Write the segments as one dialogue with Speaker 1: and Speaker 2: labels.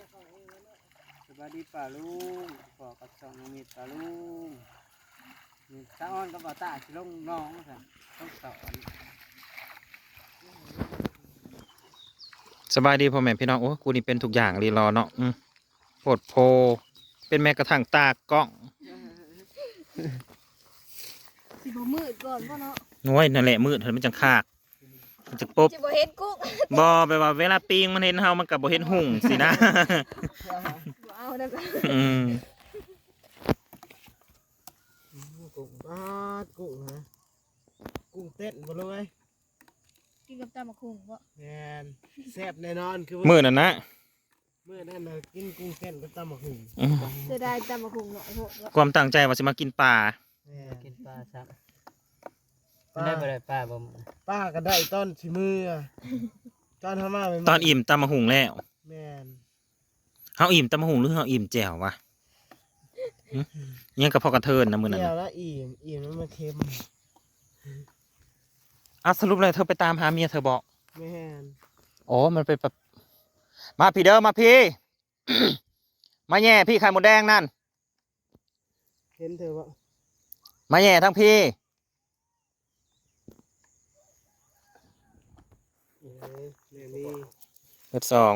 Speaker 1: สวัสดีป่าลุงขอกับสองมีป่าลุงมีตาอ้อนกับป่าตาสิลงน้องค่ะต้องสอน
Speaker 2: สบายดีพ่อแม่พี่น้องโอ้กูนี่เป็นทุกอย่างรีรอเนาะโพดโพเป็นแม้กระทั่งตากล้อง
Speaker 3: สิบ่มืดก่อนพ่อเนาะ
Speaker 2: น้อยนั่นแหละมืดเห็นมันจังคากมันจะปุ๊บ
Speaker 3: สิบ่เห็นกุ้ง
Speaker 2: บอไปว่าเวลาปิงมันเห็นเฮามันกับบ่เห็นหุ่งสินะ
Speaker 3: บ่เอาได้จ้ะ
Speaker 2: อืม
Speaker 1: กุ้งกุ้งฮะกุ้งเต้นบ่เลย
Speaker 3: กินกับตำบักหุ่งบ่
Speaker 1: แมนแซ่บแน่นอนคือ
Speaker 2: มืดนั่นนะ
Speaker 1: มื้อนั้นน่ะกินกุ้งเต้นกับตำบักหุ่ง
Speaker 2: อืม
Speaker 3: เสียดายตำบักหุ่งเนาะโหดเนาะ
Speaker 2: ความตั้งใจว่าจะมากินปลา
Speaker 1: กินปลาซัก
Speaker 4: ได้บ่ได้ป้าบ่
Speaker 1: ป้าก็ได้ต้นชิมือตอนทำมาใหม่
Speaker 2: ตอนอิ่มตำมะหุงแล้ว
Speaker 1: แมน
Speaker 2: เฮาอิ่มตำมะหุงหรือเฮาอิ่มแจ่ววะหึยังกับพ่อกระเทินนะมื้อนั้น
Speaker 1: เดียว
Speaker 2: น่ะ
Speaker 1: แล้วอิ่มแล้วมันเค็ม
Speaker 2: อ้าวสรุปเลยเธอไปตามหาเมียเธอบอก
Speaker 1: แมน
Speaker 2: อ๋อมันไปแบบมาพี่เด้อมาพี่ มาแย่พี่ไข่หมดแดงนั่น
Speaker 1: เห็นเธอบ่
Speaker 2: มาแย่ทั้งพี่
Speaker 1: เนมี่
Speaker 2: เบ็ดสอง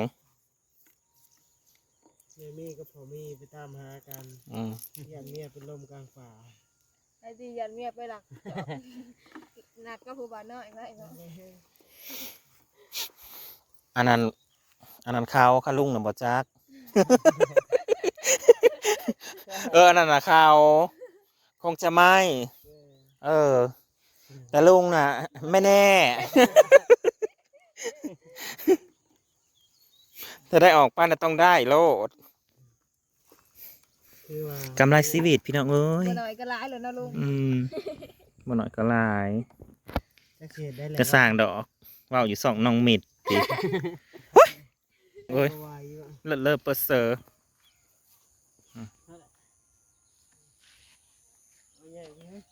Speaker 1: เนมี่กับพ่อมี่ไปตามหากัน
Speaker 2: อืม
Speaker 1: ยันเมียเป็นลมกลางป่า
Speaker 3: ไอ้ที่ยันเมียไปหลักหนักก็ผู้บ่าวน้อยนะอีกเนาะ
Speaker 2: อันนั้นเขาข้าลุงน่ะบ่จัก อันนั้นน่ะเขาคงจะไม่ แต่ลุงน่ะ ไม่แน่ ถ้าได้ออกป้านน่ะต้องได้โลด
Speaker 1: คือว่าก
Speaker 2: ำไรชีวิตพี่น้องเอ้ย
Speaker 3: บ่น้อยก็หลายแล้วเนาะลุง
Speaker 2: บ่หน่อยก็หลาย
Speaker 1: จะเขียนได้แล้ว
Speaker 2: กระสร้างดอกว่าวอยู่สองน้องมิดติโอ้ย
Speaker 1: วายอยู่อะ
Speaker 2: เลิศเปอร์เซอร์
Speaker 1: เอาใหญ่ไปให้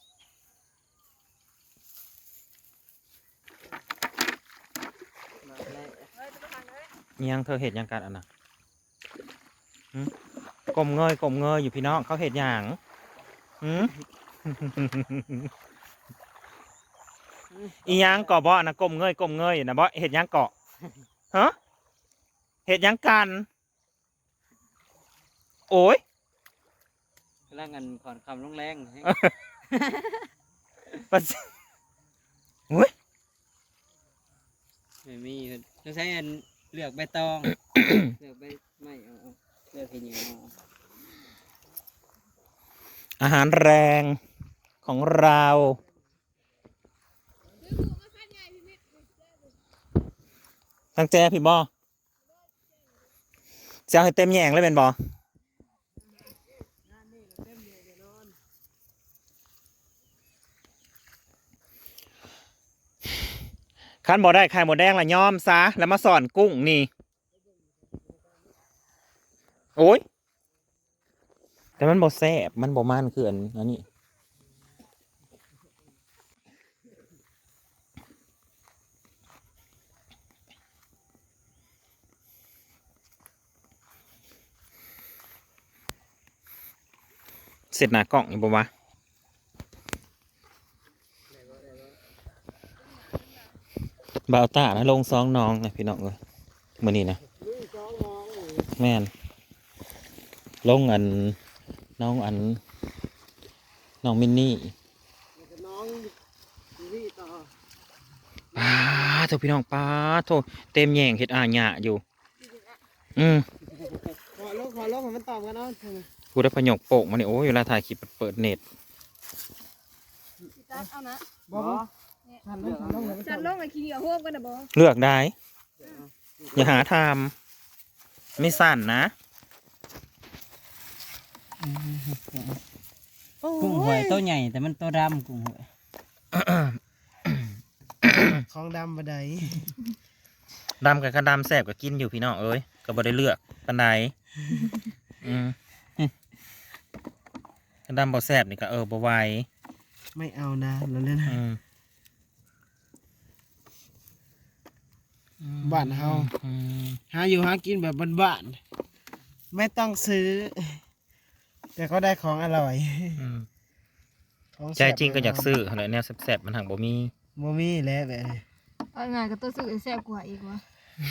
Speaker 3: เฮ้ยจะไปทางไหน
Speaker 2: ยังเธอเห็ดยังกันอันน่ะหึกลมเงยอยู่พี่น้องเขาเห็ดหยังหืม อีหยังเกาะบ่อนะกลมเงยนะบ่เห็ดหยังเกาะฮะเห็ดหยังกัน โอ้ย
Speaker 4: กำลังกันขอนคำลงแรงให้
Speaker 2: ปัสโอ้ย
Speaker 4: ไม่มีต้องใช้อันเลือกใบตอง เลือกใบไม่เอาเลือกเห็นอย่างเอา
Speaker 2: อาหารแรงของเราตั้งใจพี่บอจะเอาให้เต็มแยงเลยเป็นบอคันบอได้ไข่หมดแดงละย้อมซะแล้วมาสอนกุ้งนี่ โอ้ย แต่มันบอแซ่บมันบอมันคืออันนี้เสร็จหน้ากล่องอีกปะวะบ่าวตานะลงซองน้องนะพี่น้องเลยมือนี้นะ
Speaker 1: ลุยจ้องมองอยู่
Speaker 2: แม่นลงน้องน้องมินนี่
Speaker 1: แล้วก็น้องนี่ต่อ
Speaker 2: ป้าโทพี่น้องป้าโทเต็มแยงเห็ดอาหยะอยู่
Speaker 1: ขอลงให้มันตอบกันเนาะ
Speaker 2: กูได้พยกโปกมาเนี่ยโอ้ยเวลาถ่ายคลิปเปิดเน็ต
Speaker 3: สิตัดเอานะ
Speaker 1: บ่ฉันลงให้มันต
Speaker 3: จั
Speaker 1: อน บ
Speaker 3: ลงไอ้ขี้เหงื่อโฮมกันน่ะบ่
Speaker 2: เลือกได้ อย่าหาทำไม่สั่นนะ
Speaker 4: กุ้งหวยตัวใหญ่แต่มันตัวดำกุ้งหวย
Speaker 1: ของดำบันได
Speaker 2: ดำกับกระดำแสบกับกินอยู่พี่น้องเอ้ยก็บ่ได้เลือกปันใดกระดำบ่แสบนี่ก็บ่ไหว
Speaker 1: ไม่เอานะเราเล่น บ้านเฮา หาอยู่หากินแบบบ้านไม่ต้องซื้อ แต่ก็ได้ของอร่อย
Speaker 2: อืม
Speaker 1: ของ
Speaker 2: ใจจริงก็อยากซื้ออะไรแนวแซ่บๆมันหักบ่มี
Speaker 1: บ่มีแล้วแบบนี้
Speaker 3: เอาง่ายก็ตัวซื้อแซ่บกว่าอีกวะ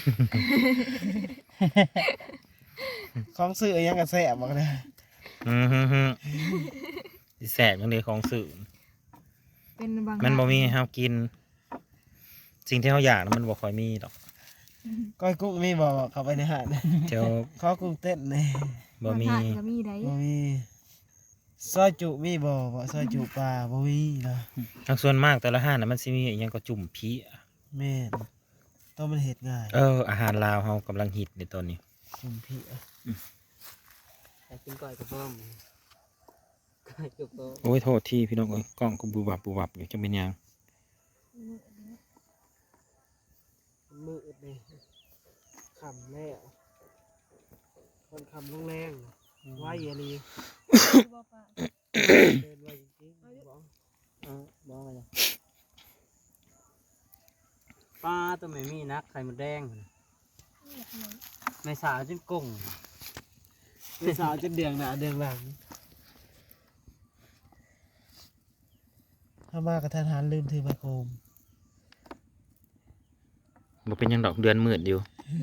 Speaker 1: ของซื้อยังก็แซ่บบอกเลย
Speaker 2: ฮึสิแซ่บจังได๋ของซื้อ
Speaker 3: เป็นบาง
Speaker 2: มันบ่มีให้
Speaker 3: ร้าน
Speaker 2: เฮากิน สิ่งที่เฮาอยากน่ะมันบ่ค่อยมีดอก
Speaker 1: ก้อยกุ้งมีบ่เข้าไปในหาด
Speaker 2: เดี๋ยว
Speaker 1: ข้อกุ้งเต้นนี่
Speaker 2: บ่มี
Speaker 3: บางร้านก็มีได้
Speaker 1: บ่มีซอยจุมีบ่ซอยจุปลาบ่มีเนาะ
Speaker 2: ทางส่วนมากแต่ละห้านน่ะมันสิมีอิหยังก็จุ่มผี
Speaker 1: แม่นต้องมันเฮ็ดง่าย
Speaker 2: อาหารลาวเฮากำลังฮิตในตอนนี้
Speaker 1: จุ่มพี่
Speaker 4: แต่กินก้อยกับพ่อมก้อยจุกโต
Speaker 2: โอ้ยโทษทีพี่น้องเอ้ยกล้องก็บูบับอยู่จังเป็นหยัง
Speaker 1: มืดเลยค่ำแล้วคนค่ำลงแรงไว้อย่าลี
Speaker 3: บ่ปะ
Speaker 1: เดินไว้จริงๆบอก
Speaker 4: บ่เลยปลาตัวไม่มีนักไข่มดแดงไม่สาวจนกุ้ง
Speaker 1: เป็นสาวจะเดืองหน้าเดืองหลังถ้ามากระทันหันลืมถือไมโครม
Speaker 2: บ่เป็นหยังดอกเดือนมืดอยู่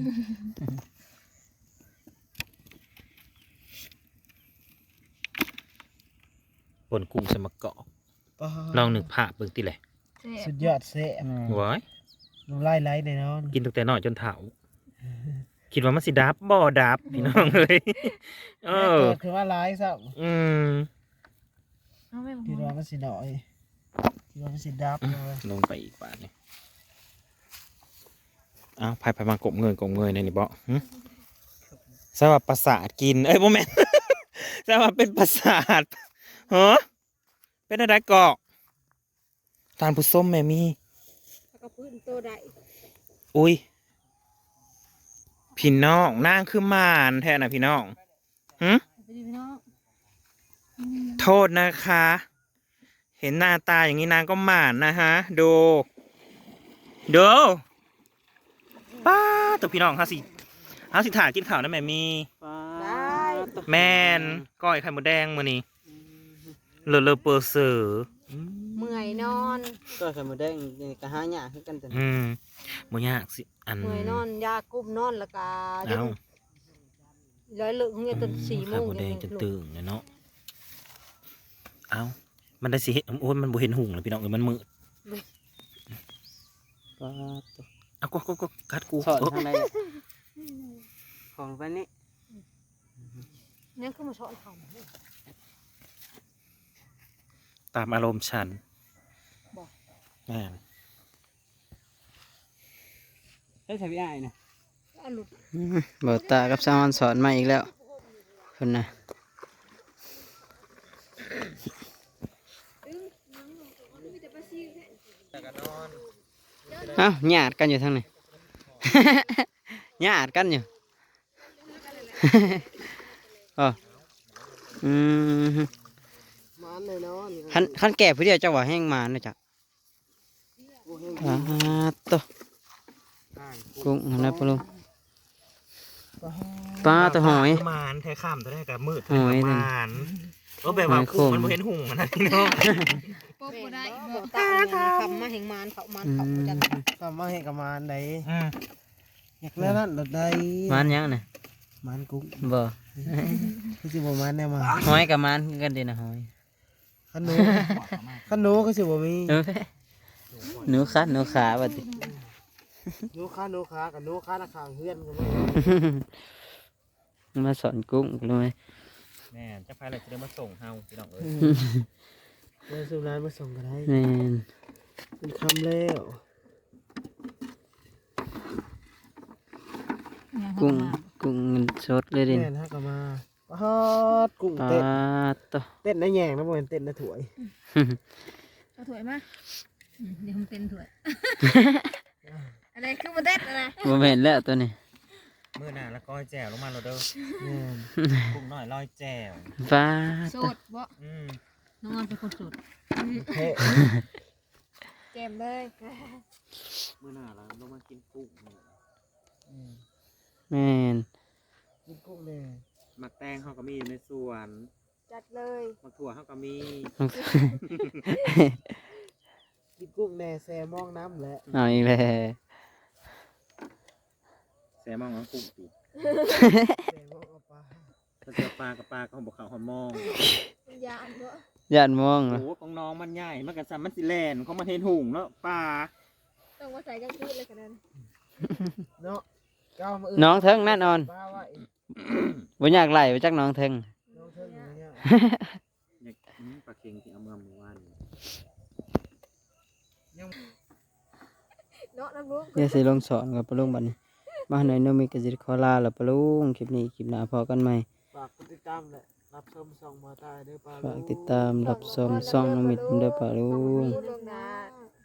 Speaker 2: ปนกุ้งใส่มะกอก
Speaker 1: ป๊า
Speaker 2: ลองนึกภาพเบิ่งติแหละ
Speaker 3: แซ่
Speaker 1: สุ
Speaker 3: บ
Speaker 1: ดยอดเสะ
Speaker 2: ว้าย
Speaker 1: น้ำลายไหลแน่นอน
Speaker 2: กินตั้งแต่น้อยจนเฒ่าคิดว่ามันสิดับบ่ดับพี่น้องเอ้ยเออ
Speaker 1: เกิดคือว่าร้ายซะ
Speaker 2: อืม
Speaker 3: เอาแม่
Speaker 1: คิดว่ามันสิหน่อยคิดว่ามันสิดับเลย
Speaker 2: ลงไปอีกบาทนี่อ้าวไปมากบเงยในนี่บ่หึสำหรับประสาทกินเอ้ยบ่แม่น สำหรับเป็นประสาทฮะเป็นอะไรเกาะทานผู้ส้มแม่มี
Speaker 3: แล้วก็พื้นโตได้
Speaker 2: อุ้ยพี่น้องนางคือหมานแท้นะพี่น้องหึ
Speaker 3: ไปดิพี่น้อง
Speaker 2: โทษนะคะ เห็นหน้าตาอย่างนี้นางก็หมานนะฮะดูป้าตัวพี่น้องเฮาสิถ่ายกินข้าวนะแม่มี
Speaker 4: ปลา
Speaker 2: แม่นก้อยไข่มดแดงมื้อนี้เลอเปอร์เซอร์
Speaker 3: เมื่อยนอน
Speaker 4: ก้อยไข่มดแดงนี่ก็หาหยาคือกันแต่
Speaker 2: บ่ยากสิอัน
Speaker 3: เมื่อยนอนยากุ้มนอนแล้วก็
Speaker 2: เอ้า
Speaker 3: ร้อยเลึกเนี่ยจน4 โม
Speaker 2: ไข่
Speaker 3: ง
Speaker 2: มดแดงจน
Speaker 3: ลุก
Speaker 2: ตื่นเลยเนาะเอ้ามันได้สิเห็นโอ้ยมันบ่เห็นหุ่งเลยพี่น้องเอ้ยมันมืด
Speaker 4: ปลาตัว
Speaker 2: เอาก็กัดกู
Speaker 4: สอน
Speaker 2: เออ
Speaker 4: ทางใดอะของไปนี่
Speaker 3: เนี่ยคือมาช้อนเขา
Speaker 2: ตามอารมณ์ฉัน
Speaker 3: บอก
Speaker 2: แม่น
Speaker 4: เฮ้ยใส่พี่อ้ายนะ
Speaker 3: เอาหลุด
Speaker 4: บ่ตากับซามอนสอนมาอีกแล้วคนน่ะ
Speaker 3: มีแต่ปลาซิว
Speaker 4: เอ้าหยาดกันอยู่ทางไหน หยาดกันอยู่ อ๋ออืม
Speaker 1: มันเลยนอน
Speaker 4: ขั้นแก่ผู้เดียวเจ้าว่าแห้งมาเนาะจ้ะตัวกุ้งอะไรปะลุงปลาตัวหอย
Speaker 2: มานแท้ข้ามตัวได้กับมืด
Speaker 4: หอยนั่น
Speaker 2: มานแบบว่า
Speaker 4: หอยโข่
Speaker 2: กุ้ง
Speaker 4: ง
Speaker 2: มันบ่เห็นหุ่งมันนะพี่น้อง
Speaker 3: โป๊กบ่ได้
Speaker 5: บอกตาคำมาแห่งมานเขามานเขาจัน
Speaker 1: กลับมาให้กับมันได้
Speaker 2: อืม
Speaker 1: อยากแล้วนั่นรถได้
Speaker 4: มันยังน่ะ
Speaker 1: มันกุ้ง
Speaker 4: บ่
Speaker 1: คือสิบ่มันแน่มา
Speaker 4: หอยกับมันคือกันเดีนะหอย
Speaker 1: ขนูขนูคือสิบ่มี
Speaker 4: เออหนูคัดหนูขาบัดนี้
Speaker 1: หนูค้ากับหนูค้าราคาเฮือนกันเลย
Speaker 4: มาสอนกุ้งรู้ไหม
Speaker 2: แม่นจะพาอะไรจะได้มาส่งเฮาพี่น้องเอ้ย
Speaker 1: เดินสู่ร้านมาส่งก็ได้
Speaker 4: แม่น
Speaker 1: เป็นคำแล้ว
Speaker 4: กุ้งกุ้งเงินสดเลยดิ
Speaker 1: แม่นฮะก็มาปาดกุ้ง
Speaker 4: ปลา
Speaker 1: เต้น
Speaker 4: ตัว
Speaker 1: เต้นได้แยงนะบ่เป็นเต้นได้ถวย
Speaker 3: เอาถ้วยมาเดี๋ยวผมเต้นถ้วย อะไรคือมาเต้นนะ
Speaker 4: บ่แม่นแล้วตัวนี้
Speaker 2: มื้อหน้าแล้วก้อยแจ่วลงมาโลดเด้อ
Speaker 1: แม่น
Speaker 2: กุ้งน้อยลอยแจ่ว
Speaker 4: ปลา
Speaker 3: โส
Speaker 4: ตัว
Speaker 3: ดบ่
Speaker 2: อืม
Speaker 3: น้องออนเป็นคนโสด
Speaker 1: เท่
Speaker 3: แกมเลย
Speaker 2: มื้อหน้าเราลงมากินกุ้ง
Speaker 1: อืม
Speaker 4: แม่น
Speaker 1: กินกุ้งแน่
Speaker 2: หมักแตงเขาก็มีอยู่ในสวน
Speaker 3: จัดเลย
Speaker 2: หมักถั่วเขาก็มี
Speaker 1: กินกุ้งแหน่แซมองน้ำแหละ
Speaker 4: เอาอีกแล้ว
Speaker 2: แซลมอนกับกุ้งติ
Speaker 1: แซมองเอาปลา
Speaker 2: ถ้าเจอปลากับปลาก็บอกเขาหอมมอง
Speaker 3: มันยานเนาะ
Speaker 4: ย่านมอง
Speaker 2: โอ้
Speaker 4: นะ
Speaker 2: โหของน้องมันใหญ่มันกับซัมมันสิแลนเขามาเห็นหุงเนาะปลา
Speaker 3: ต้องมาใส่กางคืนเลยกันนั้น
Speaker 1: เนาะเก้ามา
Speaker 4: น้องเทิงแน่นอน
Speaker 1: ปลาไว้
Speaker 4: บ่อยากไหลไปจักน้องเทิง
Speaker 1: น้องเทิงอย่างเงี้ย
Speaker 2: อยากปลาเค็งที่เอามาเมื่อวานนี่
Speaker 3: เนาะน้ำลุง
Speaker 4: เดี๋ยวสิลงสอนกับปะลุงบัดนี้มาหน่อยโนมีกสิขอลาแล้วปะลุงคลิปนี้คลิปหน้าพอกันใหม่
Speaker 1: ฝากกดติดตามและรับชมส่องมาตายเด้อปลา
Speaker 4: ฝากติดตามรับชมช่องน้องมิตรเด้อปะลุง
Speaker 3: ลวงหนา